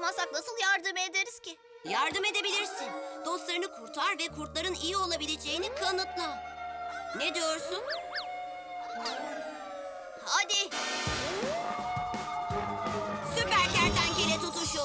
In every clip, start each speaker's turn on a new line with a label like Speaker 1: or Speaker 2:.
Speaker 1: bulamazsak nasıl yardım ederiz ki?
Speaker 2: Yardım edebilirsin. Dostlarını kurtar ve kurtların iyi olabileceğini kanıtla. Ne diyorsun?
Speaker 1: Hadi.
Speaker 2: Süper kertenkele tutuşu.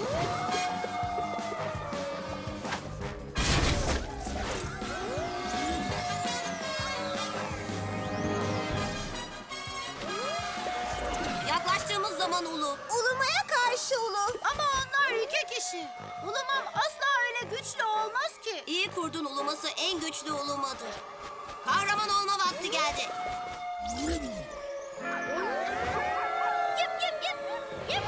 Speaker 2: Yaklaştığımız zaman Ulu.
Speaker 3: Ulumaya karşı Ulu.
Speaker 1: Ama onlar iki kişi. Ulumam asla öyle güçlü olmaz ki.
Speaker 2: İyi kurdun uluması en güçlü ulumadır. Kahraman olma vakti geldi.
Speaker 1: Yıp yıp yıp. Yıp.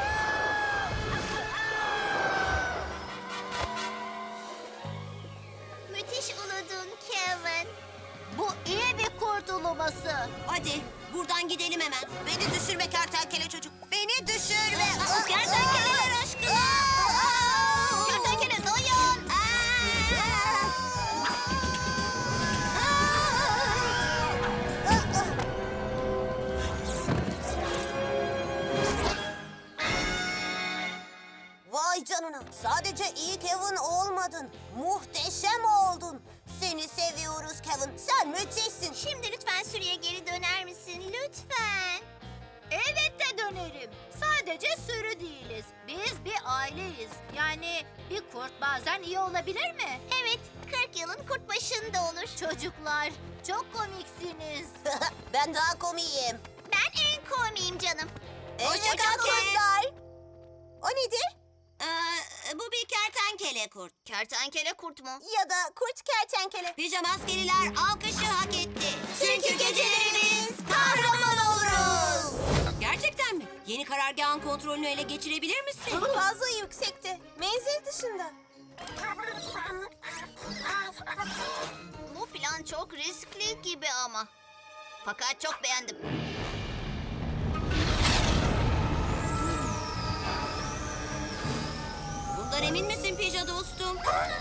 Speaker 1: Müthiş uludun Kevin. Bu iyi bir kurt uluması.
Speaker 2: Hadi buradan gidelim hemen.
Speaker 3: Beni düşürme kertenkele çocuk. Beni düşürme.
Speaker 2: Kertenkeleler aşkına.
Speaker 1: Kertenkele dayan.
Speaker 3: Vay canına. Sadece iyi Kevin olmadın. Muhteşem oldun. Seni seviyoruz Kevin. Sen müthişsin.
Speaker 1: Şimdi lütfen sürüye geri döner misin? Lütfen. Elbette dönerim. Sadece sürü değiliz. Biz bir aileyiz. Yani bir kurt bazen iyi olabilir mi? Evet, 40 yılın kurt başında olur. Çocuklar, çok komiksiniz.
Speaker 3: Ben daha komiyim.
Speaker 1: Ben en komiyim canım.
Speaker 3: Hoşça kal
Speaker 2: kal Kev.
Speaker 3: kurtlar. O nedir?
Speaker 2: Bu bir kertenkele kurt.
Speaker 1: Kertenkele kurt mu?
Speaker 3: Ya da kurt kertenkele.
Speaker 2: Pijama askeriler alkışı hak etti.
Speaker 3: Çünkü gecelerimiz kahraman oluruz.
Speaker 2: Gerçekten mi? Yeni karargahın kontrolünü ele geçirebilir misin?
Speaker 3: Fazla yüksekte. Menzil dışında.
Speaker 1: Bu plan çok riskli gibi ama. Fakat çok beğendim.
Speaker 2: Bundan emin misin Pija dostum?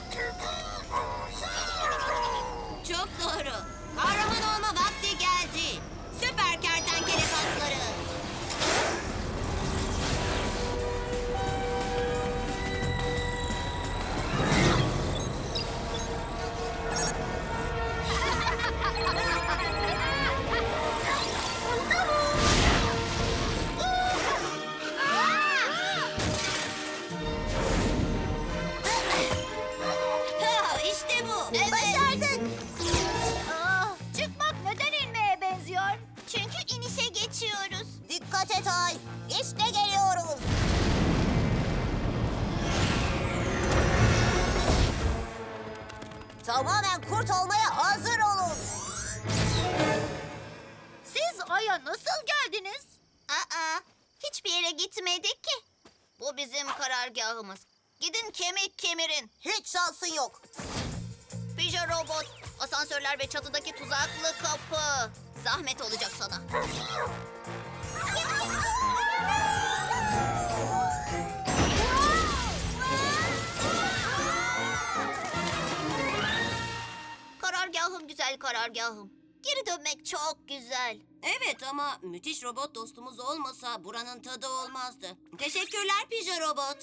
Speaker 2: Çok doğru. Kahraman olma vakti geldi. Süper kertenkele kasları. Ha, İşte bu.
Speaker 3: Başardık.
Speaker 1: Çıkmak neden inmeye benziyor? Çünkü inişe geçiyoruz.
Speaker 3: Dikkat et Ay. İşte geliyoruz. Tamamen kurt olmaya hazır olun.
Speaker 1: Siz Ay'a nasıl geldiniz? Hiçbir yere gitmedik ki. Bu bizim karargahımız. Gidin kemik kemirin.
Speaker 3: Hiç şansın yok.
Speaker 1: Pija robot, asansörler ve çatıdaki tuzaklı kapı. Zahmet olacak sana. Karargahım güzel karargahım. Geri dönmek çok güzel.
Speaker 2: Evet ama müthiş robot dostumuz olmasa buranın tadı olmazdı. Teşekkürler Pija robot.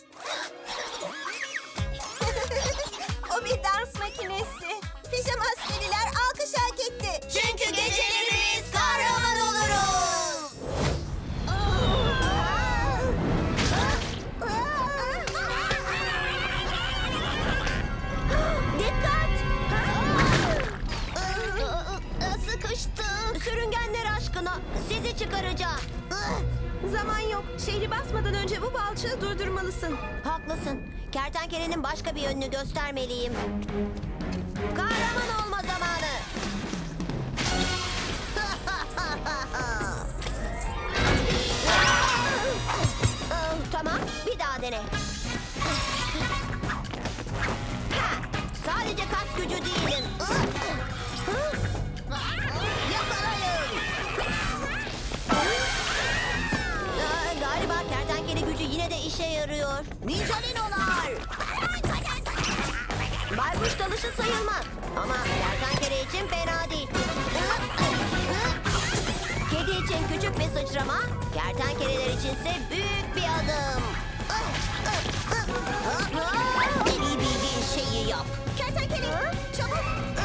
Speaker 3: O bir dans makinesi. Pijama askeriler alkış hak etti.
Speaker 2: Çünkü gecelerimiz kahraman oluruz.
Speaker 3: Dikkat!
Speaker 1: Sıkıştım.
Speaker 3: Sürüngenler aşkına sizi çıkaracağım. Zaman yok. Şehri basmadan önce bu balçığı durdurmalısın. Haklısın. Kertenkelenin başka bir yönünü göstermeliyim. Kahraman olma zamanı. Tamam, bir daha dene. Sadece kas gücü değilim. Yakalayın. Galiba kertenkele gücü yine de işe yarıyor. Ninjalinolar. Baykuş dalışı sayılmaz. Ama kertenkele için fena değil. Kedi için küçük bir sıçrama, kertenkeleler içinse büyük bir adım. En iyi bildiğin şeyi yap. Kertenkele, çabuk.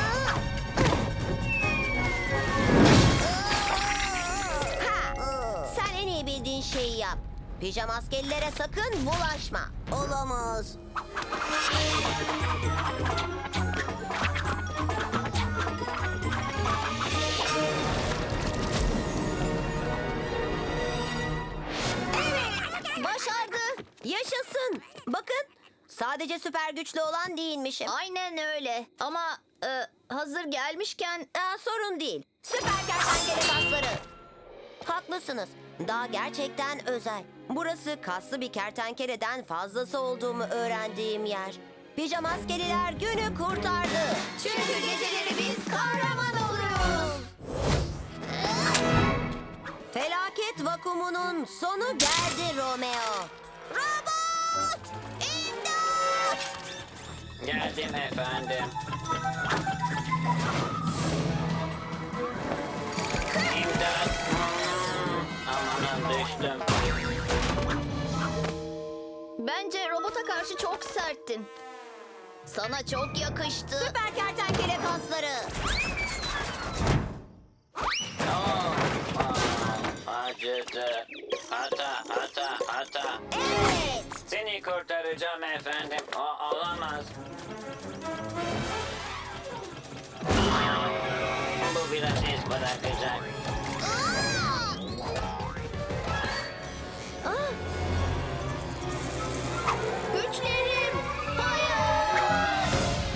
Speaker 3: Sen en iyi bildiğin şeyi yap. Pijama askerlere sakın bulaşma. Olamaz. Evet, başardı. Yaşasın. Bakın, sadece süper güçlü olan değilmişim.
Speaker 1: Aynen öyle. Ama hazır gelmişken
Speaker 3: Sorun değil. Süper kertenkele kasları. Haklısınız. Daha gerçekten özel. Burası kaslı bir kertenkeleden fazlası olduğumu öğrendiğim yer. Pijama askeriler günü kurtardı. Çünkü geceleri biz kahraman oluruz. Felaket vakumunun sonu geldi Romeo. Robot! İmdat!
Speaker 4: Geldim efendim. İmdat. Amanın düştüm.
Speaker 1: bence robota karşı çok serttin. Sana çok yakıştı.
Speaker 3: Süper kertenkele kasları.
Speaker 4: Acıdı. Ata.
Speaker 3: Evet.
Speaker 4: Seni kurtaracağım efendim. O olamaz. Bu biraz iz bırakacak.
Speaker 1: Güçlerim. Hayır.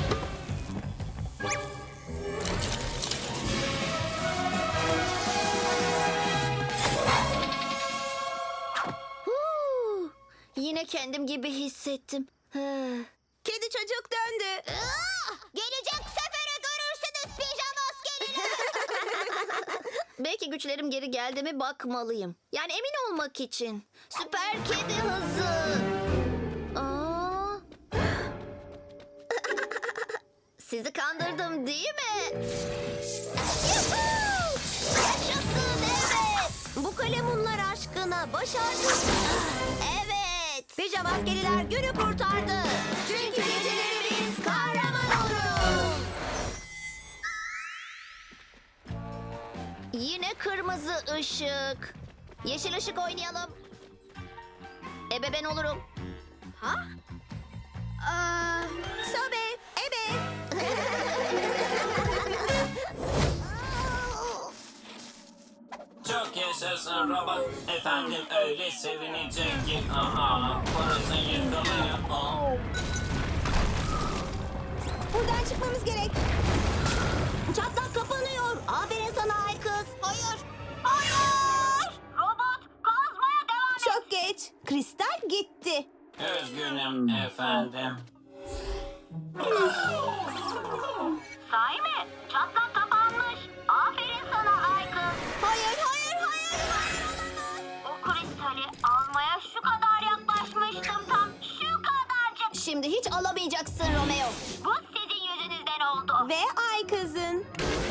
Speaker 1: Huu, Yine kendim gibi hissettim.
Speaker 3: Kedi çocuk döndü. Gelecek sefere görürsünüz pijama askeriler.
Speaker 1: Belki güçlerim geri geldi mi bakmalıyım. Yani emin olmak için. Süper kedi hızı. Aa. Sizi kandırdım değil mi? Yuhuu! Yaşasın evet.
Speaker 3: Bu kalemunlar aşkına başardık.
Speaker 1: Evet.
Speaker 3: Pijama askeriler günü kurtardı. Çünkü geceleri biz kahraman oluruz.
Speaker 1: Yine kırmızı ışık. Yeşil ışık oynayalım. Ebe ben olurum. Ha?
Speaker 3: Sobe, ebe.
Speaker 4: Çok yaşasın robot. Efendim öyle sevinecek ki. Aha. Burası yıkılıyor.
Speaker 3: Buradan çıkmamız gerek. Çatlak kapanıyor. Aferin sana ay kız. Hayır. Hayır. Robot kazmaya devam et. Çok geç. Kristal gitti.
Speaker 4: Üzgünüm efendim.
Speaker 3: Sahi mi? Çatlak kapanmış. Aferin sana ay kız. Hayır. O kristali almaya şu kadar yaklaşmıştım tam. Şu kadarcık.
Speaker 1: Şimdi hiç alamayacaksın Romeo.
Speaker 3: Bu sizin yüzünüzden oldu. Ve ay kızın.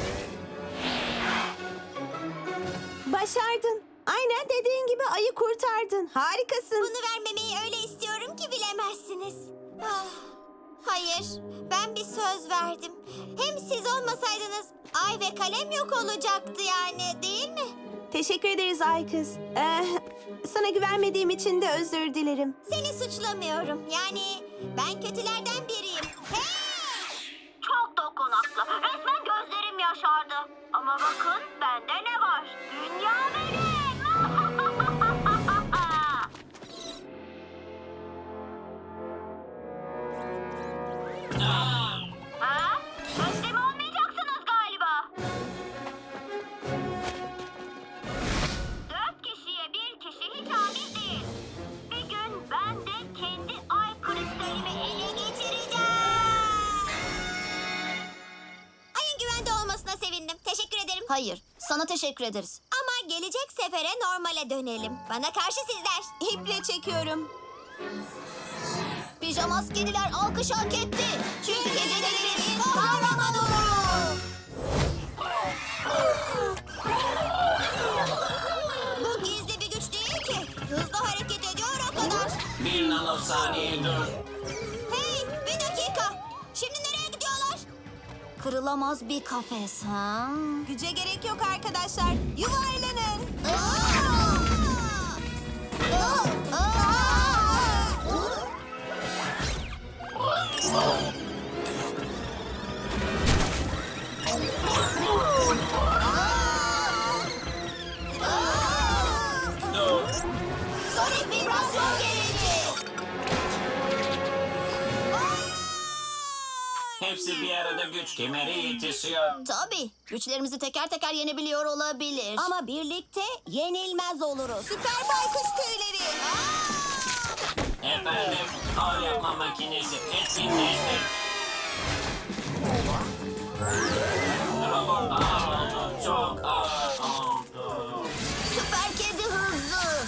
Speaker 3: Başardın. Aynen dediğin gibi ayı kurtardın. Harikasın.
Speaker 5: Bunu vermemeyi öyle istiyorum ki bilemezsiniz. Ah, hayır, ben bir söz verdim. Hem siz olmasaydınız ay ve kalem yok olacaktı yani, değil mi?
Speaker 3: Teşekkür ederiz ay kız. Sana güvenmediğim için de özür dilerim.
Speaker 5: Seni suçlamıyorum. Yani ben kötülerden biriyim. Hey!
Speaker 3: Çok dokunaklı. Resmen gözlerim yaşardı. Ama bakın bende ne var? Dünya benim. Ha? Teslim olmayacaksınız galiba. 4 kişiye bir kişi hiç adil değil. Bir gün ben de kendi ay kristalimi ele geçireceğim.
Speaker 5: Ayın güvende olmasına sevindim. Teşekkür ederim.
Speaker 1: Hayır, sana teşekkür ederiz.
Speaker 5: Ama gelecek sefere normale dönelim. Bana karşı sizler.
Speaker 3: İple çekiyorum.
Speaker 1: Pijama askeriler alkış hak etti. Çünkü geceleri biz kahraman oluruz.
Speaker 5: Bu gizli bir güç değil ki. Hızlı hareket ediyor o kadar.
Speaker 4: Bir nano saniye dur.
Speaker 5: Hey, bir dakika. Şimdi nereye gidiyorlar?
Speaker 2: Kırılamaz bir kafes ha?
Speaker 5: Güce gerek yok arkadaşlar. Yuvarlanın.
Speaker 4: Dur.
Speaker 5: Sonic vibrasyon gereği.
Speaker 4: Hepsi bir arada güç kemeri yetişiyor.
Speaker 2: Tabii. Güçlerimizi teker teker yenebiliyor olabilir.
Speaker 3: Ama birlikte yenilmez oluruz.
Speaker 5: Süper baykuş tüyleri.
Speaker 4: Efendim, ağır yapma makinesi etkinleşti. Robot ağır oldu, çok ağır oldu.
Speaker 2: Süper kedi hızlı.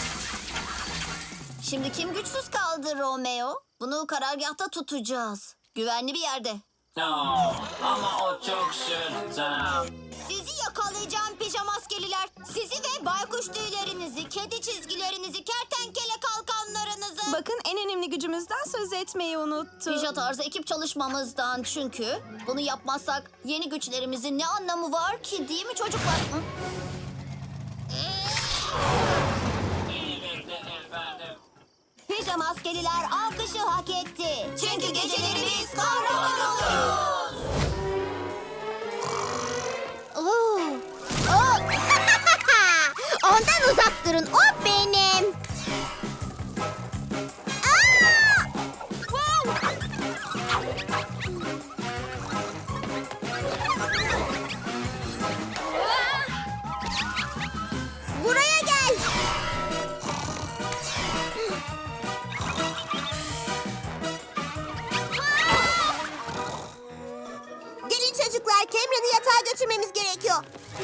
Speaker 2: Şimdi kim güçsüz kaldı Romeo? Bunu karargahta tutacağız. Güvenli bir yerde.
Speaker 4: Ama o çok şırtı.
Speaker 5: Sizi yakalayacağım pijamaskeliler. Sizi ve baykuş tüylerinizi, kedi çizgilerinizi, kertenkele kalkanlarınızı.
Speaker 6: Bakın en önemli gücümüzden söz etmeyi unuttum.
Speaker 2: Pija tarzı ekip çalışmamızdan çünkü bunu yapmazsak yeni güçlerimizin ne anlamı var ki değil mi çocuklar? Hı?
Speaker 4: Beni bekle efendim.
Speaker 3: Pijama askeriler alkışı hak etti.
Speaker 5: Çünkü geceleri biz kahraman oluruz. Ondan uzak durun. O benim. Buraya gel. Gelin çocuklar, Cameron'ı yatağa götürmemiz gerekiyor.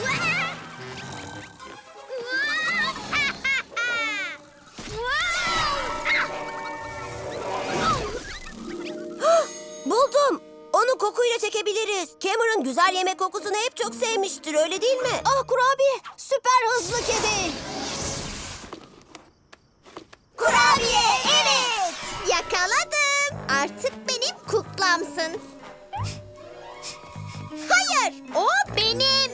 Speaker 3: Buldum. Onu kokuyla çekebiliriz. Cameron güzel yemek kokusunu hep çok sevmiştir, öyle değil mi?
Speaker 2: Ah kurabiye, süper hızlı kedi.
Speaker 5: Kurabiye, evet. Yakaladım. Artık benim kuklamsın. Hayır, o benim.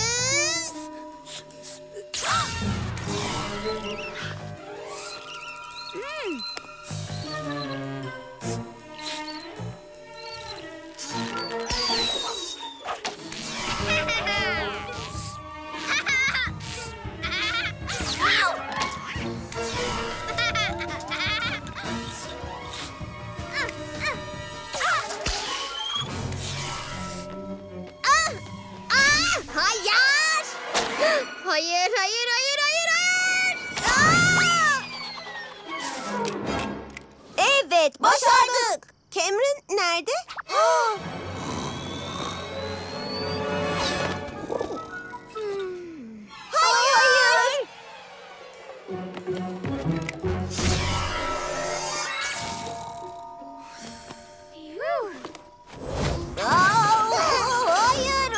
Speaker 5: Hayır. Hayır, hayır, hayır, hayır, hayır.
Speaker 3: Evet, başardık. Cameron nerede?
Speaker 5: Hayır. Hayır.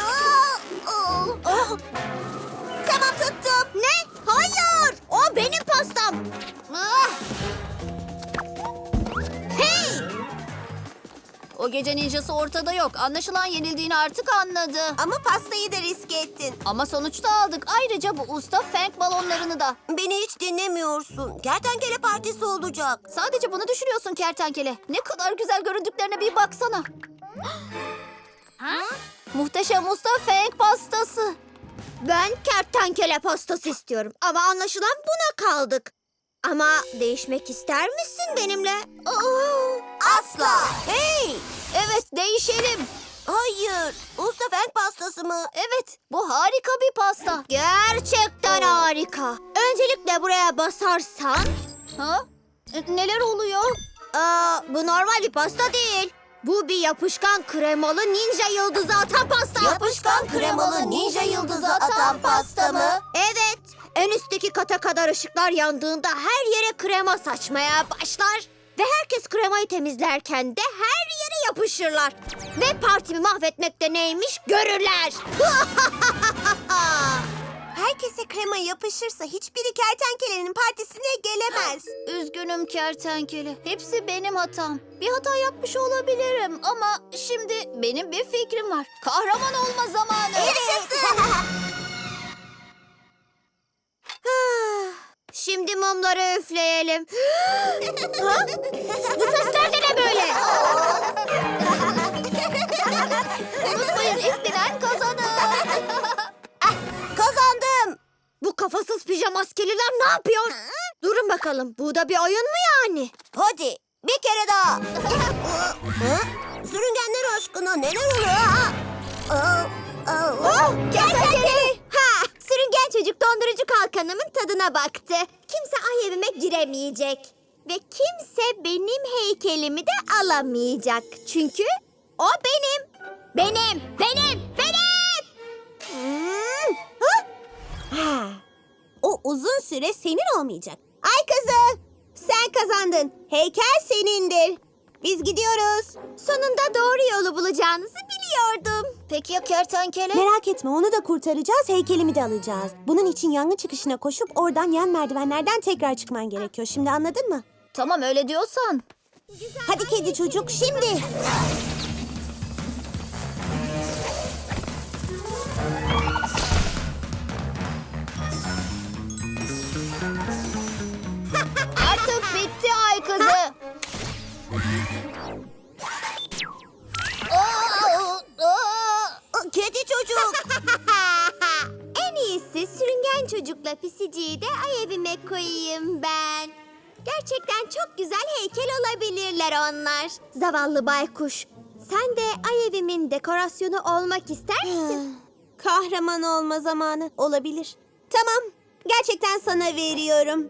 Speaker 5: Tamam, tuttum. Ne? Hayır. O benim pastam. Hey!
Speaker 2: O gece ninjası ortada yok. Anlaşılan yenildiğini artık anladı.
Speaker 3: Ama pastayı da riske ettin.
Speaker 2: Ama sonuçta aldık. Ayrıca bu usta Fang balonlarını da.
Speaker 3: Beni hiç dinlemiyorsun. Kertenkele partisi olacak.
Speaker 2: Sadece bunu düşünüyorsun kertenkele. Ne kadar güzel göründüklerine bir baksana. Muhteşem usta Fang pastası.
Speaker 5: Ben kertenkele pastası istiyorum. Ama anlaşılan buna kaldık. Ama değişmek ister misin benimle?
Speaker 3: Asla. Hey!
Speaker 2: Evet değişelim.
Speaker 3: Hayır. Usta Fenk pastası mı?
Speaker 2: Evet bu harika bir pasta.
Speaker 5: Gerçekten harika. Öncelikle buraya basarsan...
Speaker 2: Ha? Neler oluyor?
Speaker 5: Bu normal bir pasta değil. Bu bir yapışkan kremalı ninja yıldızı atan pasta.
Speaker 3: Yapışkan kremalı ninja yıldızı atan pasta mı?
Speaker 5: Evet. En üstteki kata kadar ışıklar yandığında her yere krema saçmaya başlar. Ve herkes kremayı temizlerken de her yere yapışırlar. Ve partimi mahvetmek de neymiş görürler. herkese krema yapışırsa hiçbiri kertenkelenin partisine gelemez.
Speaker 1: Üzgünüm kertenkele. Hepsi benim hatam. Bir hata yapmış olabilirim ama şimdi benim bir fikrim var. Kahraman olma zamanı.
Speaker 5: Şimdi mumları üfleyelim. Bu sesler de ne böyle?
Speaker 1: Unutmayın ilk bilen kazanır.
Speaker 5: Kazandım. Bu kafasız pijamaskeliler ne yapıyor? Durun bakalım. Bu da bir oyun mu yani? Hadi bir kere daha. Sürüngenler aşkına neler oluyor? Kertenkele. Ha, sürüngen çocuk dondurucu kalkanımın tadına baktı. Kimse ay evime giremeyecek. Ve kimse benim heykelimi de alamayacak. Çünkü o benim. Benim. O uzun süre senin olmayacak. Ay kızı, sen kazandın. Heykel senindir. Biz gidiyoruz. Sonunda doğru yolu bulacağınızı biliyordum.
Speaker 1: Peki ya kertenkele?
Speaker 7: Merak etme, onu da kurtaracağız, heykelimi de alacağız. Bunun için yangın çıkışına koşup oradan yan merdivenlerden tekrar çıkman gerekiyor. Şimdi anladın mı?
Speaker 1: Tamam öyle diyorsan.
Speaker 7: Hadi kedi çocuk, şimdi.
Speaker 1: Artık bitti ay kızı.
Speaker 5: Kedi çocuk. En iyisi sürüngen çocukla pisiciyi de ay evime koyayım ben. Gerçekten çok güzel heykel olabilirler onlar. Zavallı baykuş. Sen de ay evimin dekorasyonu olmak ister misin?
Speaker 7: Kahraman olma zamanı olabilir. Tamam, gerçekten sana veriyorum.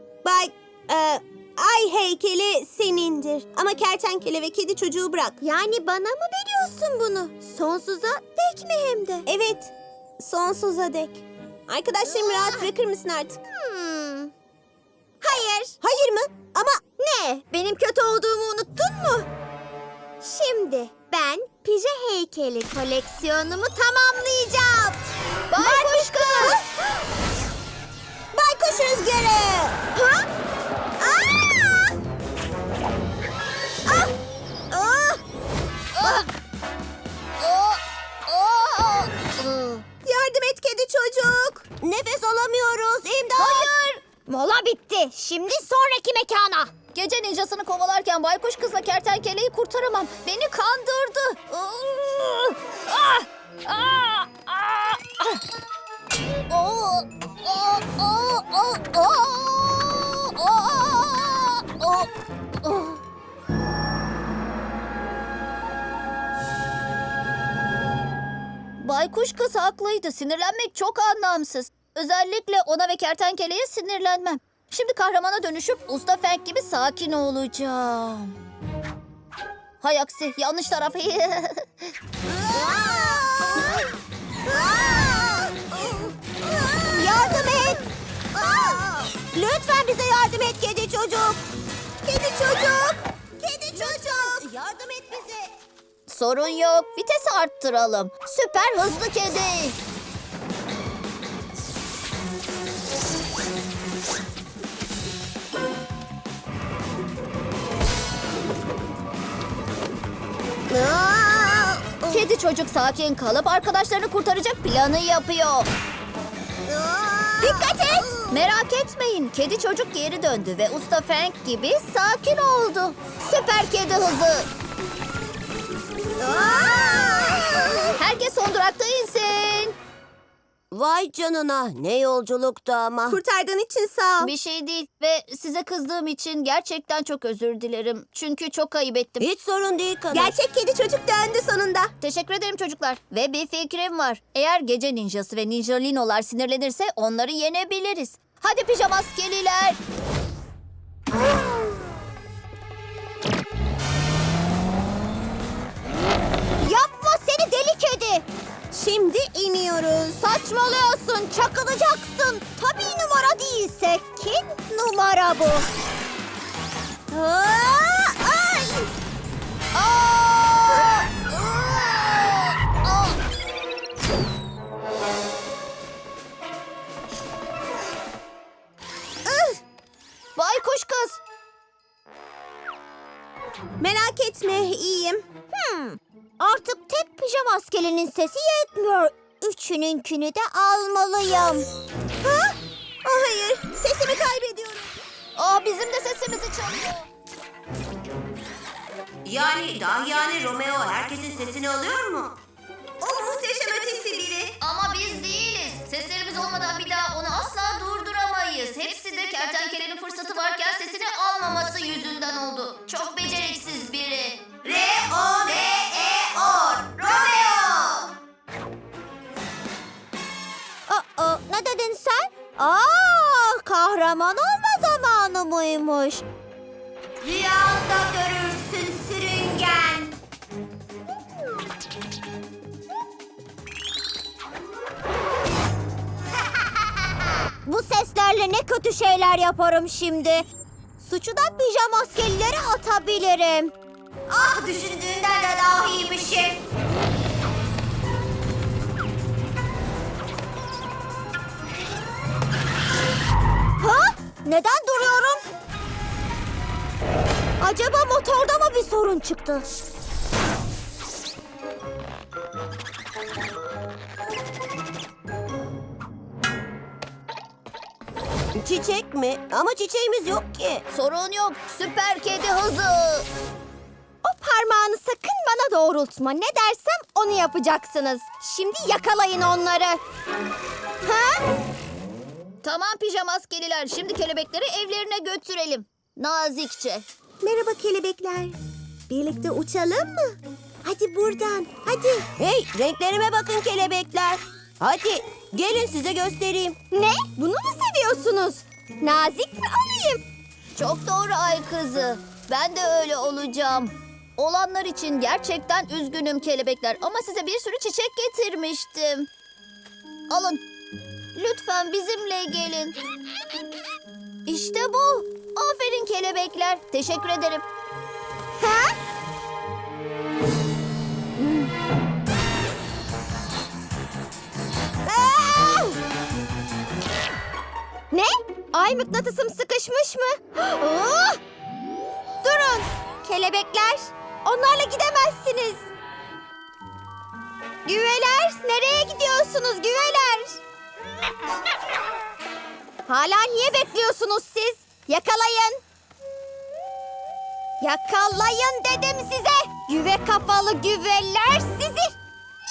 Speaker 7: Ay heykeli senindir. Ama kertenkele ve kedi çocuğu bırak.
Speaker 5: Yani bana mı veriyorsun bunu? Sonsuza dek mi hem de?
Speaker 7: Evet, sonsuza dek. Arkadaşlarımı rahat bırakır mısın artık?
Speaker 5: Hayır.
Speaker 7: Hayır mı? Ama
Speaker 5: Ne? Benim kötü olduğumu unuttun mu? Şimdi ben pije heykeli koleksiyonumu tamamlayacağım. Baykuş kız!
Speaker 7: baykuş rüzgarı.
Speaker 5: Ha? Aa! Ah! Ah! Ah!
Speaker 7: Yardım et kedi çocuk.
Speaker 5: Nefes alamıyoruz. İmdat! Hayır! Mola bitti. Şimdi sonraki mekana.
Speaker 1: Gece ninjasını kovalarken baykuş kızla kertenkeleyi kurtaramam. Beni kandırdı. Ah! Ah! Ah! Ah! Oh! Oh! Oh! Oh! Oh! Oh! Oh! Baykuş kız haklıydı. Sinirlenmek çok anlamsız. Özellikle ona ve kertenkeleye sinirlenmem. Şimdi kahramana dönüşüp Usta Fenk gibi sakin olacağım. Hay aksi, yanlış taraf.
Speaker 5: Yardım et. Lütfen bize yardım et kedi çocuk. Kedi çocuk. Kedi çocuk. Yardım et bize.
Speaker 1: Sorun yok. Vitesi arttıralım. Süper hızlı kedi. Kedi çocuk sakin kalıp arkadaşlarını kurtaracak planı yapıyor.
Speaker 5: Dikkat et.
Speaker 1: Merak etmeyin. Kedi çocuk geri döndü ve Usta Frank gibi sakin oldu. Süper kedi hızı. Herkes son durakta insin.
Speaker 3: Vay canına, ne yolculuktu ama.
Speaker 7: Kurtardığın için sağ ol.
Speaker 1: Bir şey değil ve size kızdığım için gerçekten çok özür dilerim. Çünkü çok ayıp ettim.
Speaker 3: Hiç sorun değil kadın.
Speaker 7: Gerçek kedi çocuk döndü sonunda.
Speaker 1: Teşekkür ederim çocuklar. Ve bir fikrim var. Eğer gece ninjası ve ninjalinolar sinirlenirse onları yenebiliriz. Hadi pijamaskeliler.
Speaker 5: Yapma seni deli kedi.
Speaker 7: Şimdi iniyoruz.
Speaker 5: Saçmalıyorsun, çakılacaksın. Tabii numara değilse kim numara bu? Ay!
Speaker 7: Merak etme, iyiyim.
Speaker 5: Artık tek pijama askerinin sesi yetmiyor. Üçününkünü de almalıyım.
Speaker 7: Ha? Hayır, sesimi kaybediyorum.
Speaker 1: Bizim de sesimizi çalıyor.
Speaker 3: Yani Romeo herkesin sesini alıyor mu?
Speaker 7: O muhteşem ötesi biri.
Speaker 1: Ama biz değiliz. Seslerimiz olmadan bir daha onu asla durduramayız. Hepsi de kertenkelenin fırsatı varken sesini almaması yüzünden oldu. Çok beceriksiz biri.
Speaker 3: R-O-M-E-O Romeo!
Speaker 5: Ne dedin sen? Kahraman olma zamanı mıymış?
Speaker 3: Rüyanda görürsün sürüngen.
Speaker 5: Bu seslerle ne kötü şeyler yaparım şimdi. Suçu da pijama askerlere atabilirim.
Speaker 3: Ah, düşündüğünden de daha iyiymişim.
Speaker 5: Ha? Neden duruyorum? Acaba motorda mı bir sorun çıktı?
Speaker 3: Çiçek mi? Ama çiçeğimiz yok ki.
Speaker 1: Sorun yok. Süper kedi hızı.
Speaker 5: O parmağını sakın bana doğrultma. Ne dersem onu yapacaksınız. Şimdi yakalayın onları. Ha?
Speaker 1: Tamam pijama askeriler. Şimdi kelebekleri evlerine götürelim. Nazikçe.
Speaker 7: Merhaba kelebekler. Birlikte uçalım mı? Hadi buradan, hadi.
Speaker 3: Hey, renklerime bakın kelebekler. Hadi gelin size göstereyim.
Speaker 5: Ne? Bunu mu seviyorsunuz? Nazik mi olayım?
Speaker 1: Çok doğru ay kızı. Ben de öyle olacağım. Olanlar için gerçekten üzgünüm kelebekler. Ama size bir sürü çiçek getirmiştim. Alın. Lütfen bizimle gelin. İşte bu. Aferin kelebekler. Teşekkür ederim.
Speaker 5: Ha? Aa! Ne? Ay mıknatısım sıkışmış mı? Aa! Durun. Kelebekler. Onlarla gidemezsiniz. Güveler. Nereye gidiyorsunuz güveler? Hala niye bekliyorsunuz siz? Yakalayın. Yakalayın dedim size. Güve kafalı güveler sizi.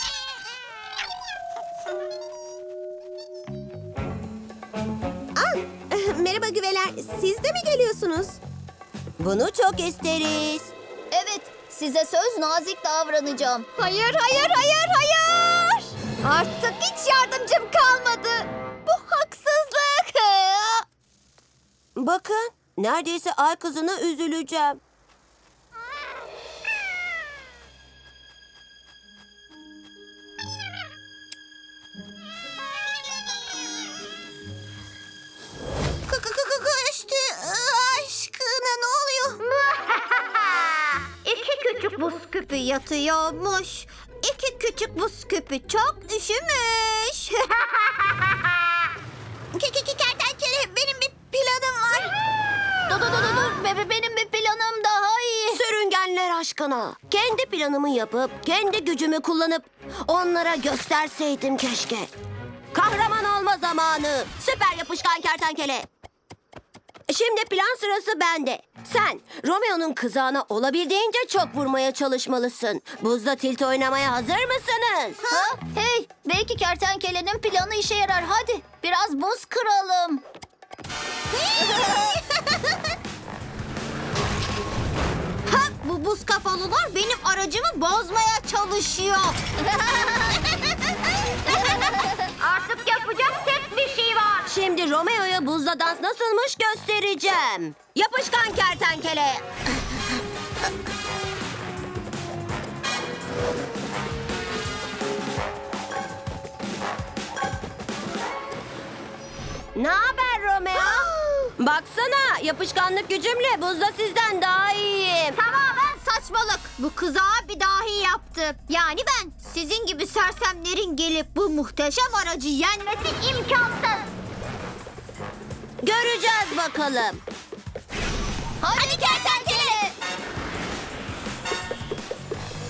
Speaker 7: Merhaba güveler, siz de mi geliyorsunuz?
Speaker 3: Bunu çok isteriz.
Speaker 1: Evet, size söz nazik davranacağım.
Speaker 5: Hayır, hayır, hayır, hayır. Artık hiç yardımcım kalmadı. Bu haksızlık.
Speaker 3: Bakın, neredeyse ay kızına üzüleceğim.
Speaker 5: Işte aşkına ne oluyor? İki küçük buz küpü yatıyormuş. İki küçük buz küpü çok üşümüş. Kertenkele benim bir planım var.
Speaker 1: Dur. Benim bir planım daha iyi.
Speaker 3: Sürüngenler aşkına. Kendi planımı yapıp, kendi gücümü kullanıp onlara gösterseydim keşke. Kahraman olma zamanı. Süper yapışkan kertenkele. Şimdi plan sırası bende. Sen Romeo'nun kızağına olabildiğince çok vurmaya çalışmalısın. Buzda tilt oynamaya hazır mısınız?
Speaker 1: Ha? Hey, belki kertenkelenin planı işe yarar. Hadi biraz buz kıralım.
Speaker 5: Ha, bu buz kafalılar benim aracımı bozmaya çalışıyor. Artık yapacak tek bir şey var.
Speaker 3: Şimdi Romeo'ya buzda dans nasılmış göstereceğim. Yapışkan kertenkele. Ne haber Romeo? Baksana, yapışkanlık gücümle buzda sizden daha iyiyim.
Speaker 5: Tamamen saçmalık. Bu kızağa bir dahi yaptı. Yani ben sizin gibi sersemlerin gelip bu muhteşem aracı yenmesi imkansız.
Speaker 3: Göreceğiz bakalım.
Speaker 1: Hadi kertenkele.